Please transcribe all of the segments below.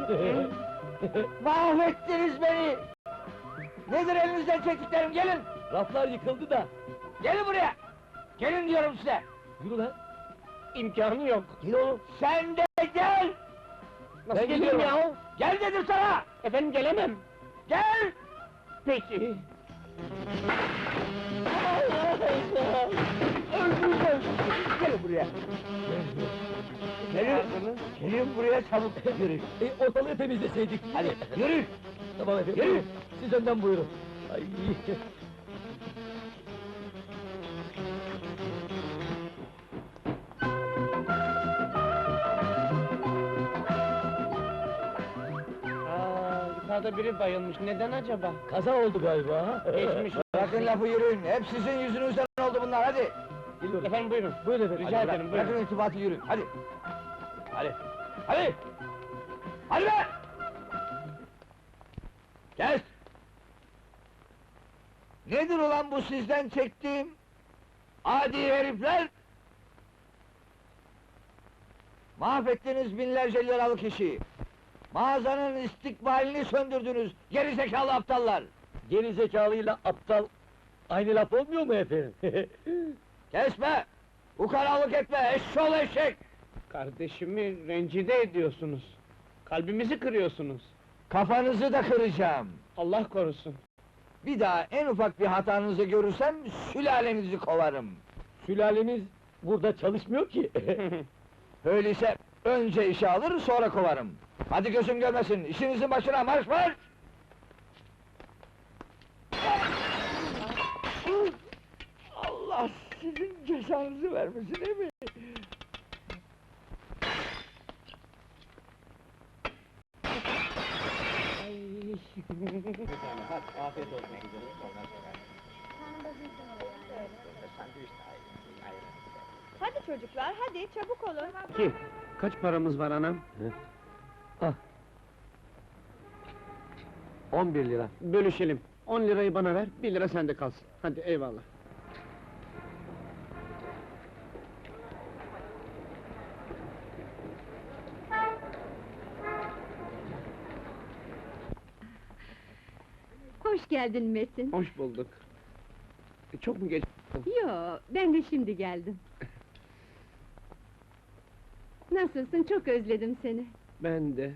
Mahvettiniz beni! Nedir elinizden çektiklerim, gelin! Raflar yıkıldı da. Gelin buraya! Gelin diyorum size! Yürü lan. İmkanı yok. Gel oğlum. Sen de gel! Nasıl Ben geleyim gidiyorum. ya? Gel dedim sana! Efendim gelemem. Gel! Peki. Öldüreceğim! Gelin buraya! Gelin! Gelin buraya çabuk! Yürü! Ortalığı temizleseydik. Hadi, yürü! Tamam efendim. Yürü! Siz önden buyurun. Ay. Yukarıda biri bayılmış. Neden acaba? Kaza oldu galiba ha? Geçmiş. Bırakın lafı, yürüyün! Hep sizin yüzünüzden oldu bunlar, hadi! Geliyorum. Efendim buyurun. Buyurun efendim. Rica Hadi ederim, bırakın buyurun. irtibatı, yürüyün, hadi! Hadi! Hadi! Hadi be! Kes! Nedir ulan bu sizden çektiğim? Adi herifler! Mahvettiniz binlerce liralık işi! Mağazanın istikbalini söndürdünüz, geri zekalı aptallar! Geri zekalıyla aptal aynı laf olmuyor mu efendim? Kesme! Ukalalık etme, eşşoğlu eşek! Kardeşimi rencide ediyorsunuz. Kalbimizi kırıyorsunuz. Kafanızı da kıracağım! Allah korusun. Bir daha en ufak bir hatanızı görürsem, sülalenizi kovarım! Sülalemiz burada çalışmıyor ki. Öyleyse önce işe alır, sonra kovarım! Hadi gözüm görmesin, işinizin başına marş marş! Allah sizin cezanızı vermesin, değil mi? Afiyet olsun. Hadi çocuklar, hadi çabuk olun. Kim? Kaç paramız var anam? Ah. 11 lira. Bölüşelim. 10 lirayı bana ver, 1 lira sende kalsın. Hadi eyvallah. Hoş geldin Metin. Hoş bulduk. Çok mu geç? Yo, ben de şimdi geldim. Nasılsın? Çok özledim seni. Ben de.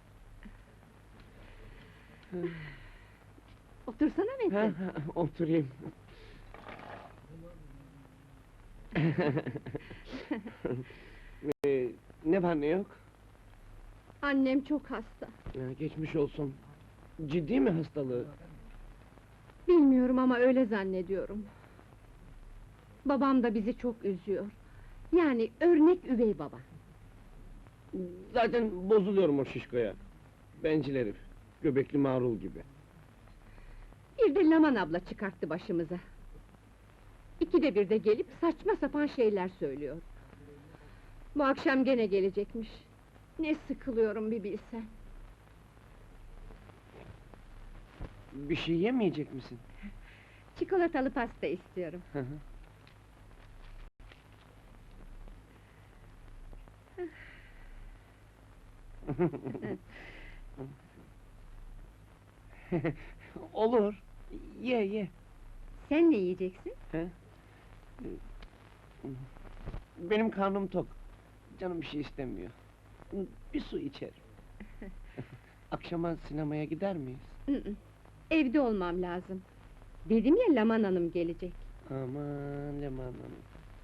Otursana Metin. Oturayım. Ne var ne yok? Annem çok hasta. Geçmiş olsun. Ciddi mi hastalığı? Bilmiyorum ama öyle zannediyorum. Babam da bizi çok üzüyor. Yani örnek üvey baba. Zaten bozuluyorum o şişkoya. Bencil herif. Göbekli marul gibi. Bir de Laman abla çıkarttı başımıza. İkide bir de gelip saçma sapan şeyler söylüyor. Bu akşam gene gelecekmiş. Ne sıkılıyorum bir bilsen. Bir şey yemeyecek misin? Çikolatalı pasta istiyorum. Hı hı. Olur. Ye ye. Sen ne yiyeceksin? He? Benim karnım tok. Canım bir şey istemiyor. Bir su içerim. Akşama sinemaya gider miyiz? Evde olmam lazım. Dedim ya Laman Hanım gelecek. Aman Leman Hanım.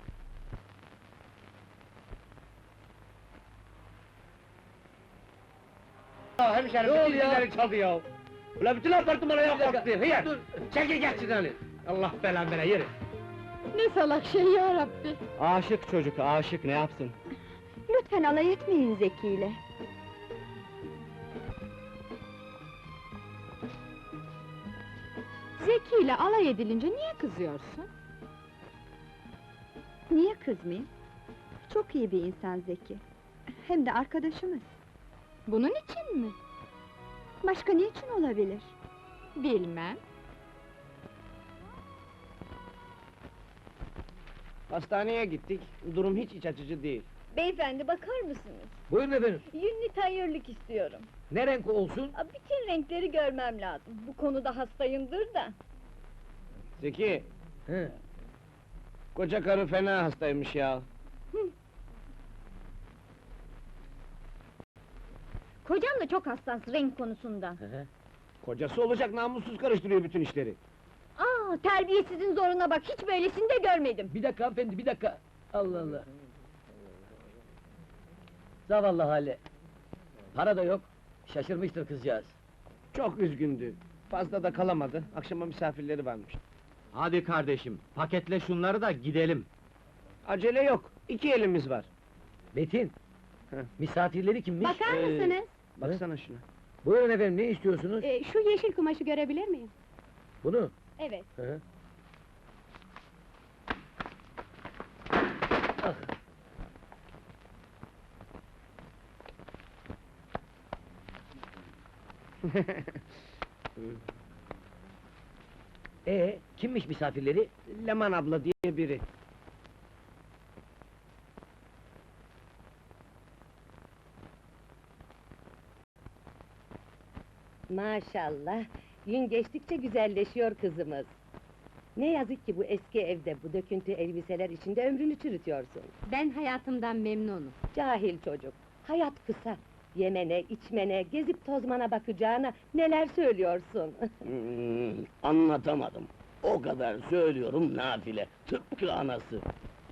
Hemşerim, Ne bütün oluyor? zilleri çaldı ya! Ulan bütün apartman ayağa Bir dakika, kalktı, hıyar! dur. Çekil geç şuradan! Allah belanı vere, yürü! Ne salak şey ya Rabbi! Aşık çocuk, aşık, ne yapsın? Lütfen alay etmeyin Zeki ile. Zeki ile alay edilince niye kızıyorsun? Niye kızmayayım? Çok iyi bir insan Zeki. Hem de arkadaşımız. Bunun için mi? Başka niçin olabilir? Bilmem. Hastaneye gittik, durum hiç iç açıcı değil. Beyefendi bakar mısınız? Buyurun efendim. Yünlü tayyörlük istiyorum. Ne renk olsun? Bütün renkleri görmem lazım. Bu konuda hastayımdır da. Zeki, He. koca karı fena hastaymış ya. Kocam da çok hassas renk konusunda. Kocası olacak namussuz karıştırıyor bütün işleri. Terbiyesizin zoruna bak, hiç böylesini de görmedim. Bir dakika hanımefendi, bir dakika! Allah Allah! Zavallı hali! Para da yok, şaşırmıştır kızcağız. Çok üzgündü. Fazla da kalamadı. Akşama misafirleri varmış. Hadi kardeşim, paketle şunları da gidelim. Acele yok. 2 elimiz var. Metin! Heh. Misafirleri kimmiş? Bakar mısınız? Baksana şuna. Buyurun efendim, ne istiyorsunuz? Şu yeşil kumaşı görebilir miyim? Bunu? Evet. Hı. Ah! Kimmiş misafirleri? Leman abla diye biri. Maşallah, gün geçtikçe güzelleşiyor kızımız. Ne yazık ki bu eski evde, bu döküntü elbiseler içinde ömrünü çürütüyorsun. Ben hayatımdan memnunum. Cahil çocuk, hayat kısa. Yemene, içmene, gezip tozmana bakacağına neler söylüyorsun? Anlatamadım. O kadar söylüyorum nafile, tıpkı anası.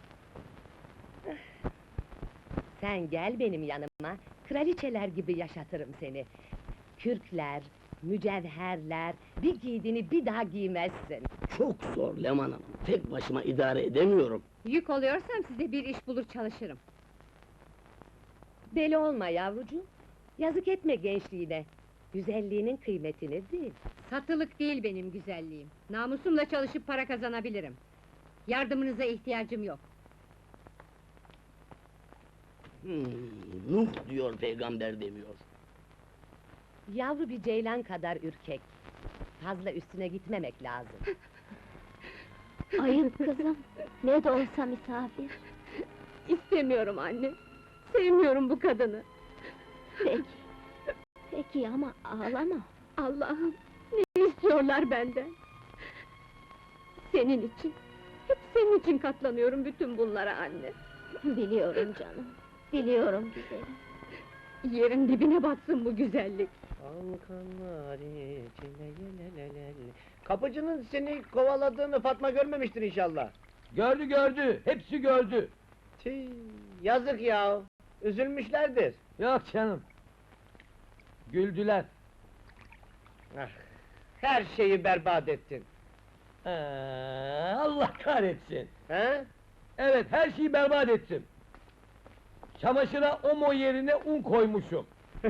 Sen gel benim yanıma, kraliçeler gibi yaşatırım seni. Kürkler, mücevherler, bir giydiğini bir daha giymezsin. Çok zor Leman Hanım, tek başıma idare edemiyorum. Yük oluyorsam size bir iş bulur çalışırım. Deli olma yavrucuğum, yazık etme gençliğine. Güzelliğinin kıymetini bil. Satılık değil benim güzelliğim. Namusumla çalışıp para kazanabilirim. Yardımınıza ihtiyacım yok. Nuh diyor, peygamber demiyor. Yavru bir ceylan kadar ürkek. Fazla üstüne gitmemek lazım. Ayıp kızım, ne de olsa misafir. İstemiyorum anne. Sevmiyorum bu kadını. Peki, peki ama ağlama. Allah'ım, ne istiyorlar benden? Senin için, hep senin için katlanıyorum bütün bunlara anne. Biliyorum canım, biliyorum güzelim. Yerin dibine batsın bu güzellik. Kapıcının seni kovaladığını Fatma görmemiştir inşallah. Gördü gördü, hepsi gördü! Tüh, yazık ya. Üzülmüşlerdir. Yok canım! Güldüler! Ah, her şeyi berbat ettin. Allah kahretsin! He? Evet, her şeyi berbat ettim! Çamaşıra omo yerine un koymuşum!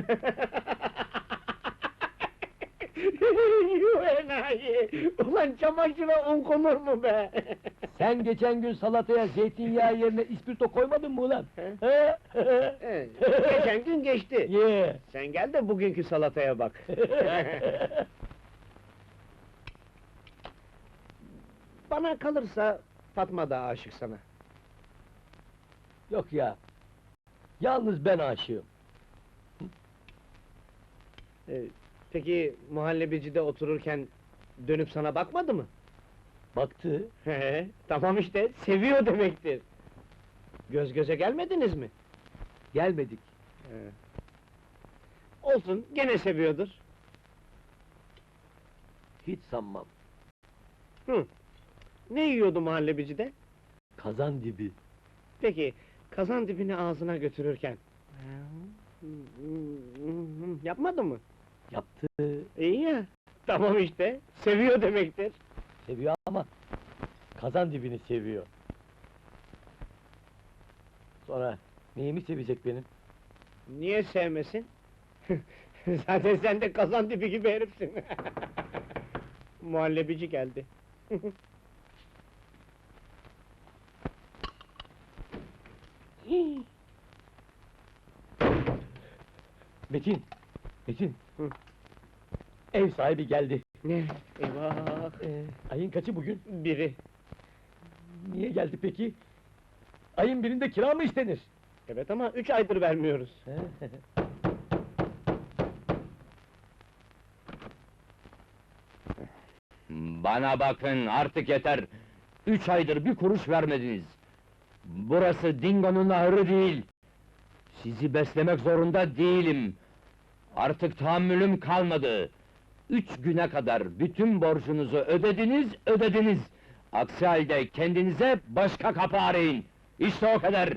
Yuh enayi! Ulan çamaşıra un konur mu be? Sen geçen gün salataya zeytinyağı yerine ispirto koymadın mı ulan? Geçen gün geçti. Ye! Sen gel de bugünkü salataya bak. Bana kalırsa Fatma da aşık sana. Yok ya! Yalnız ben aşığım! Peki muhallebicide otururken dönüp sana bakmadı mı? Baktı, Tamam işte, seviyor demektir. Göz göze gelmediniz mi? gelmedik. Olsun, gene seviyordur. Hiç sanmam. Ne yiyordu muhallebicide? Kazan dibi. Peki, kazan dibini ağzına götürürken... Yapmadı mı? Yaptı. İyi ya, tamam işte, seviyor demektir. Seviyor ama kazan dibini seviyor. Sonra neyimi sevecek benim? Niye sevmesin? Zaten sen de kazan dibi gibi herifsin. Muhallebici geldi. Metin! Metin! Hı. Ev sahibi geldi. Ne? Eyvah! Ayın kaçı bugün? Biri. Niye geldi peki? Ayın birinde kira mı istenir? Evet ama 3 aydır vermiyoruz. Bana bakın, artık yeter! 3 aydır bir kuruş vermediniz! Burası Dingo'nun ahırı değil! Sizi beslemek zorunda değilim! Artık tahammülüm kalmadı! 3 güne kadar bütün borcunuzu ödediniz! Aksi halde kendinize başka kapı arayın! İşte o kadar!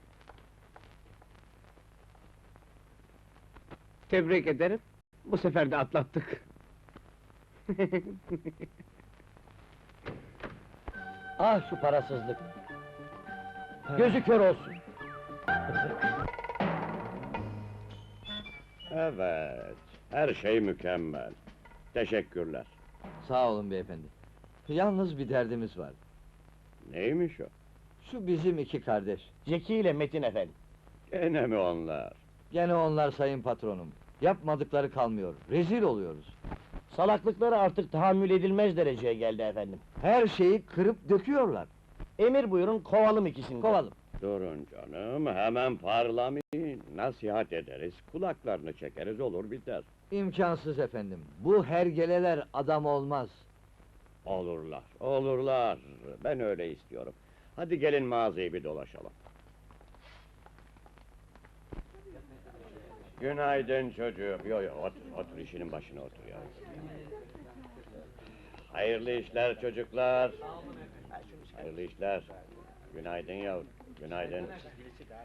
Tebrik ederim. Bu sefer de atlattık. Ah şu parasızlık! Gözü kör olsun! Evet, her şey mükemmel. Teşekkürler. Sağ olun beyefendi. Yalnız bir derdimiz var. Neymiş o? Şu bizim 2 kardeş. Zeki ile Metin efendi. Gene mi onlar? Gene onlar sayın patronum. Yapmadıkları kalmıyor. Rezil oluyoruz. Salaklıkları artık tahammül edilmez dereceye geldi efendim. Her şeyi kırıp döküyorlar. Emir buyurun, kovalım ikisini. Kovalım. Durun canım, hemen parlamayın. Nasihat ederiz, kulaklarını çekeriz, olur biter. İmkansız efendim. Bu hergeleler adam olmaz. Olurlar, olurlar. Ben öyle istiyorum. Hadi gelin mağazayı bir dolaşalım. Günaydın çocuğum. Yo, otur işinin başına otur ya. Hayırlı işler çocuklar. Hayırlı işler. Günaydın yavrum, günaydın.